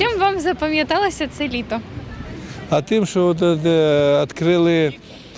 Чим вам запам'яталося це літо? А тим, що відкрили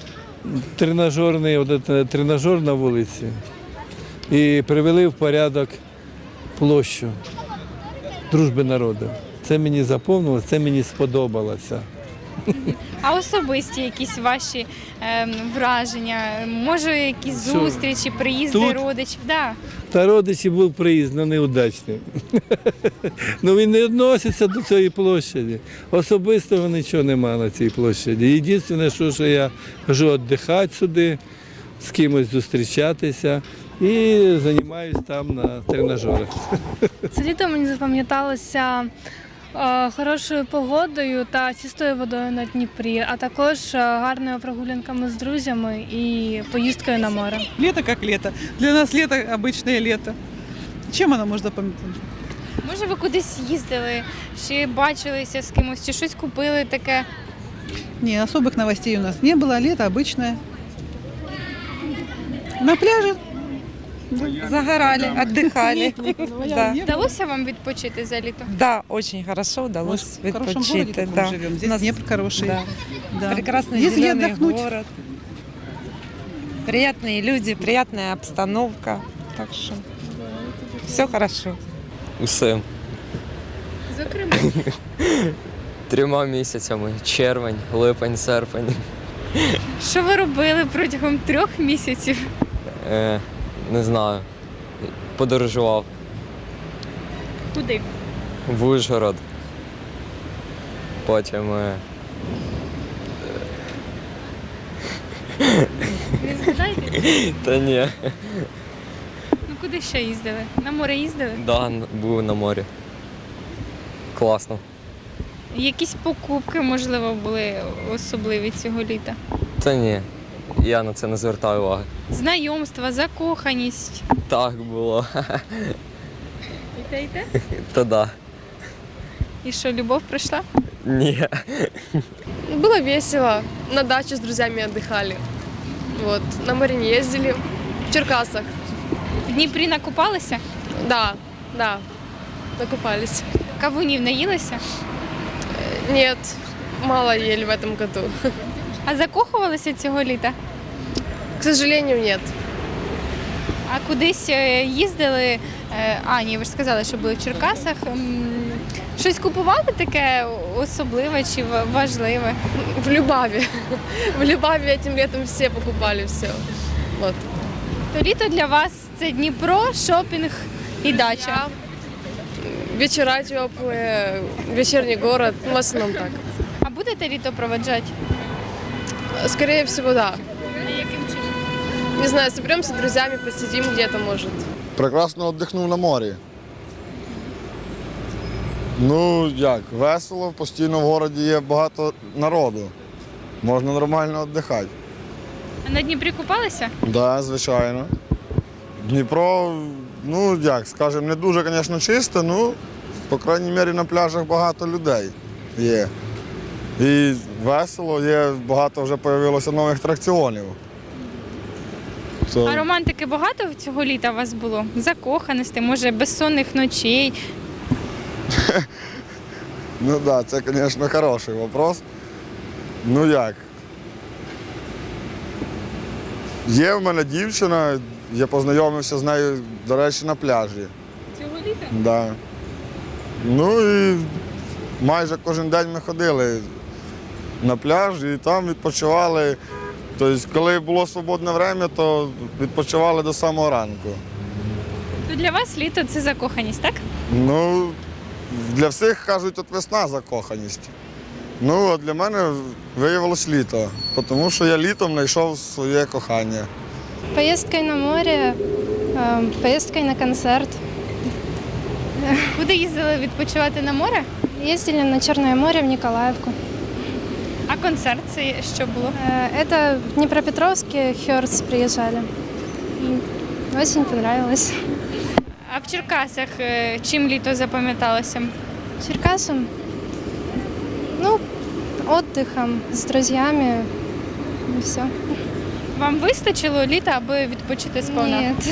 тренажер на вулиці і привели в порядок площу Дружби народів. Це мені запомнилося, це мені сподобалося. А особисті якісь ваші враження? Може, якісь зустрічі, приїзди Тут? родичів? Да. Та родичі був приїзд, але неудачний. Ну він не відноситься до цієї площаді. Особистого нічого немає на цій площаді. Єдине, що я хожу віддихати сюди, з кимось зустрічатися і займаюся там на тренажерах. Це літо мені запам'яталося хорошою погодою та чистою водою на Дніпрі, а також гарними прогулянками з друзями і поїздкою на море. Лето как лето. Для нас лето обычное лето. Чем оно может запомниться? Може, ви кудись їздили, чи бачилися з кимось, чи щось купили таке? Не, особых новостей у нас не было. Лето обычное. На пляже. Загорали, отдыхали. Да. Вдалося вам відпочити за літо? Да, очень хорошо удалось Мы в хорошем городе відпочити. таком Да. живем. У Здесь нас Днепр хороший. да. Да. Прекрасный Есть где зеленый отдохнуть. город. Приятные люди, приятная обстановка. Так что все хорошо. Усе. Зокрема, 3 місяцями. Червень, липень, серпень. що ви робили протягом 3 місяців? Не знаю. Подорожував Куди? в Ужгород. Потім Не згадаєте? та ні. Ну куди ще їздили? На море їздили? Да, був на морі. Класно. Якісь покупки, можливо, були особливі цього літа? Та ні. Я на це не звертаю уваги. Знайомства, закоханість. Так було. І те, і те? Та да. І що, любов прийшла? Ні. Было весело. На даче с друзьями отдыхали. Вот. На море не ездили. В Черкасах. В Дніпрі накупалися? Да, да. Накупались. Кавунів наїлися? Нет, мало ели в этом году. А закохувалися цього літа? К сожалению, нет. А кудись їздили? А, ні, ви ж сказали, що були в Черкасах. Щось купували таке особливе чи важливе? В Любаве. В Любаве этим летом все покупали все. Вот. То літо для вас це Дніпро, шопінг і дача. Вечера теплые, вечерний город. В основном так. А будете літо проведжати? Скорее всего, да. Яким чином? Не знаю, соберемся с друзьями, посидим где-то, может. Прекрасно віддихнув на морі. Ну як, весело, постійно в місті є багато народу. Можна нормально віддихати. А на Дніпрі купалися? Так, да, звичайно. Дніпро, ну як, скажімо, не дуже, звісно, чисте, ну, по крайній мірі, на пляжах багато людей є. І весело, є багато вже з'явилося нових атракціонів. А романтики багато цього літа у вас було? Закоханості, може, безсонних ночей? Ну так, да, це, звісно, хороший вопрос. Ну як? Є в мене дівчина, я познайомився з нею, до речі, на пляжі. Цього літа? Да. Ну і майже кожен день ми ходили на пляж і там відпочивали. Тобто, коли було свободне час, то відпочивали до самого ранку. То для вас літо це закоханість, так? Ну, для всіх кажуть, от весна закоханість. Ну, а для мене виявилось літо, тому що я літом знайшов своє кохання. Поїздкою на море, поїздкою на концерт. Куди їздили відпочивати на море? Їздили на Чорне море в Ніколаївку. А концерт це що було? Это в Днепропетровске Хёрдс приезжали. И очень понравилось. А в Черкасах чим літо запам'яталося? Черкасом, ну, отдыхом с друзьями и все. Вам вистачило літа, аби відпочити сповна? Нет,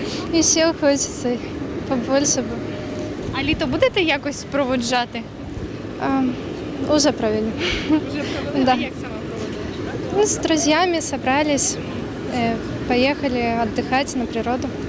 еще хочется побольше бы. А літо будете якось проводжати? Уже провели. Да. Як саме проводили? Ну, с друзьями собрались, поехали отдыхать на природу.